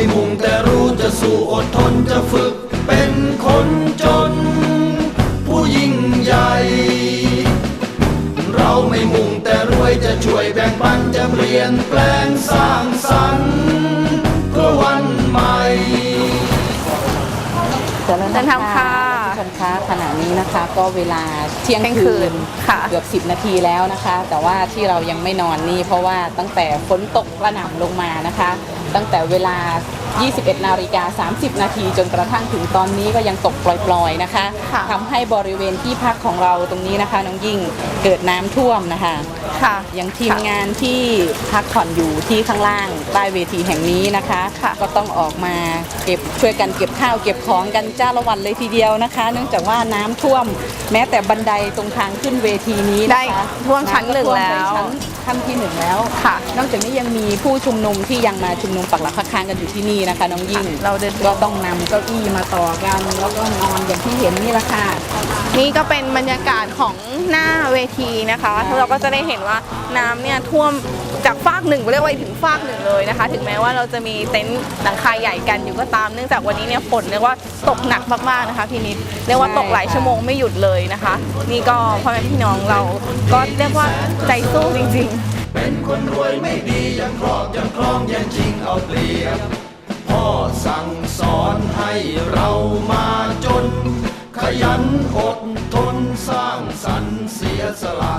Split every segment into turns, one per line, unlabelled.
มุ่งแต่รู้จะสู้อดทนจะฝึกเป็นคนจนผู้ยิ่งใหญ่เราไม่มุ่งแต่รวยจะช่วยแบ่งปันจะเปลี่ยนแปลงสร้างสรรค์เพื่อวันใหม่
เดินทางค่ะผู้ชมคะขณะนี้นะคะก็เวลาเที่ยงคืนเกือบ10 นาทีแล้วนะคะแต่ว่าที่เรายังไม่นอนนี่เพราะว่าตั้งแต่ฝนตกกระหน่ำลงมานะคะตั้งแต่เวลา 21:30 นาทีจนกระทั่งถึงตอนนี้ก็ยังตกปล่อยๆนะคะทำให้บริเวณที่พักของเราตรงนี้นะคะน้องยิ่งเกิดน้ำท่วมนะคะอย่างทีมงานที่พักผ่อนอยู่ที่ข้างล่างใต้เวทีแห่งนี้นะคะก็ต้องออกมาช่วยกันเก็บข้าวเก็บของกันจ้าละวันเลยทีเดียวนะคะเนื่องจากว่าน้ำท่วมแม้แต่บันไดตรงทางขึ้นเวทีนี้ได้
ท่วมชั้น 1แล้ว
ขั้นที่ 1แล้วนอกจากนี้ยังมีผู้ชุมนุมที่ยังมาชุมนุมปักหลักพักค้างกันอยู่ที่นี่นะคะน้องยิ่งเราก็ต้องนำเก้าอี้มาต่อกันแล้วก็นอนอย่างที่เห็นนี่แหละค่ะ
นี่ก็เป็นบรรยากาศของหน้าเวทีนะคะเราก็จะได้เห็นว่าน้ำเนี่ยท่วมจากฟากหนึ่งเรียกว่าถึงฟากหนึ่งเลยนะคะถึงแม้ว่าเราจะมีเต็นท์หลังคาใหญ่กันอยู่ก็ตามเนื่องจากวันนี้เนี่ยฝนเรียกว่าตกหนักมากๆนะคะพี่นิดเรียกว่าตกหลายชั่วโมงไม่หยุดเลยนะคะนี่ก็พ่อแม่พี่น้องเราก็เรียกว่าใจสู้จริง
ๆเป็นคนรวยไม่ดียังครอบยังคล้องยังจริงเอาเปรียบพ่อสั่งสอนให้เรามาจนขยันอดทนสร้างสรรค์เสียสละ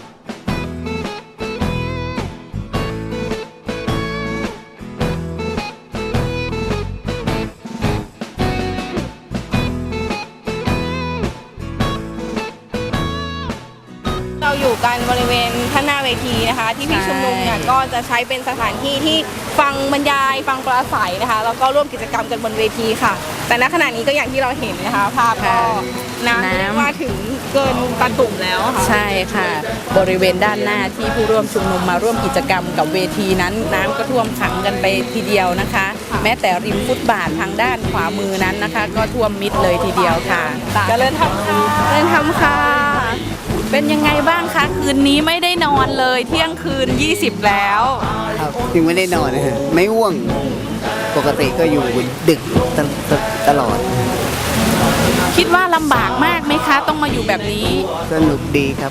เราอยู่กันบริเวณข้างหน้าเวทีนะคะที่พี่ชุมนุมเนี่ยก็จะใช้เป็นสถานที่ที่ฟังบรรยายฟังปราศัยนะคะแล้วก็ร่วมกิจกรรมกันบนเวทีค่ะแต่ณขณะนี้ก็อย่างที่เราเห็นนะคะภาพก็น้ำมาถึงเกินตาตุ่มแล้วค่ะ
ใช่ค่ะบริเวณด้านหน้าที่ผู้ร่วมชุมนุมมาร่วมกิจกรรมกับเวทีนั้นน้ำก็ท่วมขังกันไปทีเดียวนะคะแม้แต่ริมฟุตบาททางด้านขวามือนั้นนะคะก็ท่วมมิดเลยทีเดียวค่ะ
เจริญธรรมค่ะเจริญธรรมค่ะ
เป็นยังไงบ้างคะคืนนี้ไม่ได้นอนเลยเที่ยงคืน20แล้ว
ครับยังไม่ได้นอนนะไม่ง่วงปกติก็อยู่ดึกตลอด
คิดว่าลำบากมากไหมคะต้องมาอยู่แบบนี้
สนุกดีครับ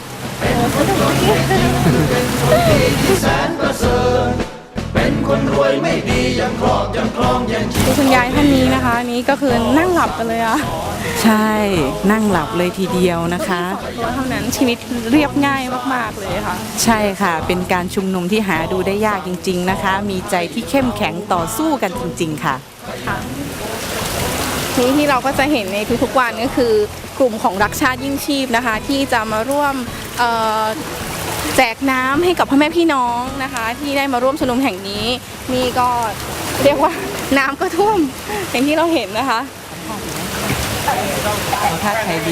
เป็นคนรวยไม่ดียังครอบยังคล้องยัง
คุณยายท่านนี้นะคะนี้ก็คือนั่งหลับกันเลยอะ
ใช่นั่งหลับเลยทีเดียวนะคะ
เท่านั้นชีวิตเรียบง่ายมากๆเลยค่ะ
ใช่ค่ะเป็นการชุมนุมที่หาดูได้ยากจริงๆนะคะมีใจที่เข้มแข็งต่อสู้กันจริงๆค่ะ
นี้ที่เราก็จะเห็นในทุกๆวันก็คือกลุ่มของรักชาติยิ่งชีพนะคะที่จะมาร่วมแจกน้ำให้กับพ่อแม่พี่น้องนะคะที่ได้มาร่วมชุมนุมแห่งนี้นี่ก็เรียกว่าน้ำก็ท่วมอย่างที่เราเห็นนะคะ
ท่าใครดี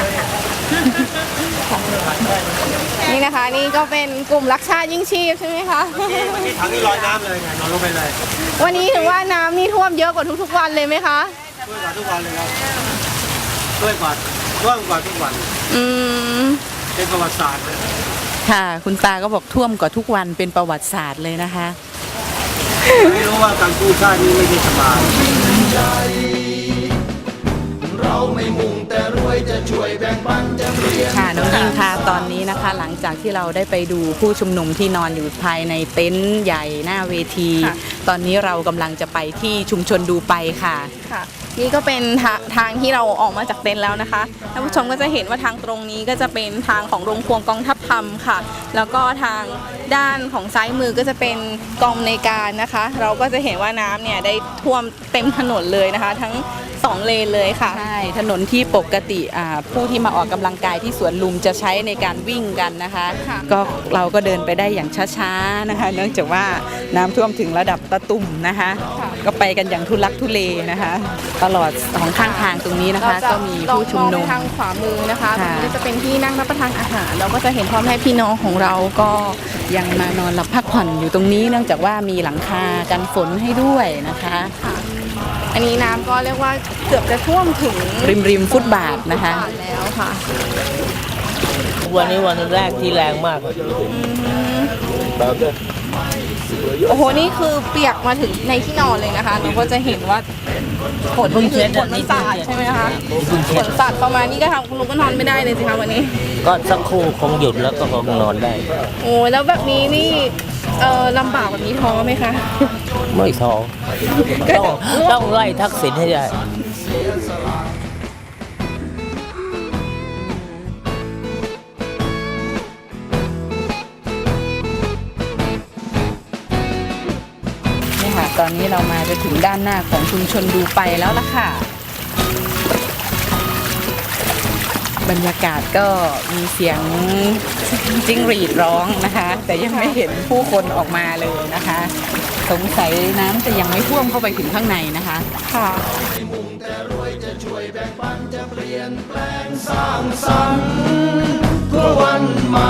นี่นะคะนี่ก็เป็นกลุ่มรักชาติยิ่งชีพใช่ไหมคะ
วันนี้ถังนี้ลอยน้ำเลยไงนอนลงไปเลย
วันนี้ถือว่าน้ำนี่ท่วมเยอะกว่าทุกๆวันเลยไหมคะ
ท่วมกว่าทุกวันเลยครับท่วมกว่าทุกวันเป็นประวัติศาสตร์เลย
ค่ะคุณตาก็บอกท่วมกว่าทุกวันเป็นประวัติศาสตร์เลยนะคะ
ไม่รู้ว่าการกู้ชาตินี้ไม่ได้สบาย
เราไม่มุ่งแต่รวยจะช่วยแบ่งปันจะเปลี่ยน
ค่ะน้องยิ่งค่ะตอนนี้นะคะหลังจากที่เราได้ไปดูผู้ชุมนุมที่นอนอยู่ภายในเต็นท์ใหญ่หน้าเวทีตอนนี้เรากำลังจะไปที่ชุมชนดูไปค่ะ
นี่ก็เป็นทางที่เราออกมาจากเต็นท์แล้วนะคะท่านผู้ชมก็จะเห็นว่าทางตรงนี้ก็จะเป็นทางของโรงครัวกองทัพธรรมค่ะแล้วก็ทางด้านของซ้ายมือก็จะเป็นกองในการนะคะเราก็จะเห็นว่าน้ำเนี่ยได้ท่วมเต็มถนนเลยนะคะทั้ง2 เลนเลยค่ะ
ใช่ถนนที่ปกติผู้ที่มาออกกำลังกายที่สวนลุมจะใช้ในการวิ่งกันนะคะก็เราก็เดินไปได้อย่างช้าๆนะคะเนื่องจากว่าน้ำท่วมถึงระดับตะตุ่มนะคะก็ไปกันอย่างทุลักทุเลนะคะตลอดของข้างทางตรงนี้นะคะก็มีผู้ชุมนุม
ทางขวามือนะคะตรงนี้จะเป็นที่นั่งรับประทานอาหารเราก็จะเห็นพ่อแม่พี่น้องของเราก็
ยังมานอนหลับพักผ่อนอยู่ตรงนี้เนื่องจากว่ามีหลังคากันฝนให้ด้วยนะคะ
อันนี้น้ำก็เรียกว่าเกือบจะท่วมถึง
ริมฟุตบาทนะคะ
แล้วค่ะ
วันนี้วันแรกที่แรงมาก
โอ้โหนี่คือเปียกมาถึงในที่นอนเลยนะคะเราก็จะเห็นว่าฝนนี่คือฝนมันสาดใช่ไหมคะฝนสาดประมาณนี้ก็ทำคุณลุงก็นอนไม่ได้เลยสิคะวันนี้
ก็สักครู่คงหยุดแล้วก็คงนอนได้
โอ้แล้วแบบนี้นี่ลำบากแบบนี้ท้อไหมคะ
ไม่ท้อต้องไล่ทักษิณให้ได้
นี่ค่ะตอนนี้เรามาจะถึงด้านหน้าของชุมชนดูไปแล้วล่ะค่ะ บรรยากาศก็มีเสียงจิ้งหรีดร้องนะคะ แต่ยังไม่เห็นผู้คนออกมาเลยนะคะ สงสัยน้ำจะยังไม่ท่วมเข้าไปถึงข้างในนะคะ
ค่ะ
สร้างสรรค์เพื่อวันใหม่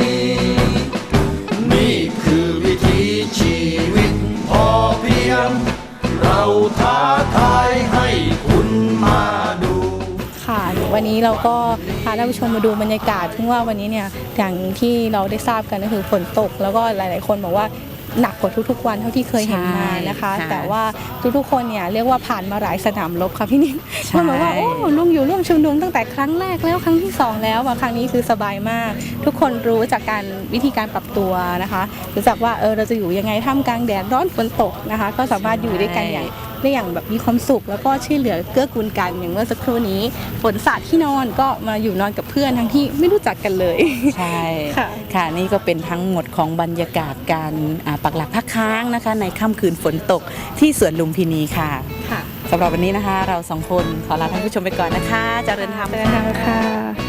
นี่คือวิถีชีวิตพอเพียง เราท้าทายให้คุณมาดู
ค่ะวันนี้เราก็พาท่านผู้ชมมาดูบรรยากาศซึ่งว่าวันนี้เนี่ยอย่างที่เราได้ทราบกันก็คือฝนตกแล้วก็หลาย ๆ คนบอกว่าหนักกว่าทุกๆวันเท่าที่เคยเห็นมานะคะ
ใช่ค่ะ
แต่ว่าทุกๆคนเนี่ยเรียกว่าผ่านมาหลายสนามรบค่ะพี่นิ่ม
ใช่
มันบอกว่าโอ้ลุงอยู่ร่วมชุมนุมตั้งแต่ครั้งแรกแล้วครั้งที่สองแล้วครั้งนี้คือสบายมาก ทุกคนรู้จากการวิธีการปรับตัวนะคะรู้จักว่าเราจะอยู่ยังไงท่ามกลางแดดร้อนฝนตกนะคะ ก็สามารถอยู่ด้วยกันอย่างแบบมีความสุขแล้วก็ช่วยเหลือเกื้อกูลกันอย่างเมื่อสักครู่นี้ฝนสาดที่นอนก็มาอยู่นอนกับเพื่อนทั้งที่ไม่รู้จักกันเลย
ใช่
ค่ะ
ค่ะนี่ก็เป็นทั้งหมดของบรรยากาศการปักหลักพักค้างนะคะ ในค่ำคืนฝนตกที่สวนลุมพินีค่ะ
ค่ะ
สำหรับวันนี้นะคะ เราสองคนขอลาท่านผู้ชมไปก่อนนะคะเจริญธรรม
ค่ะ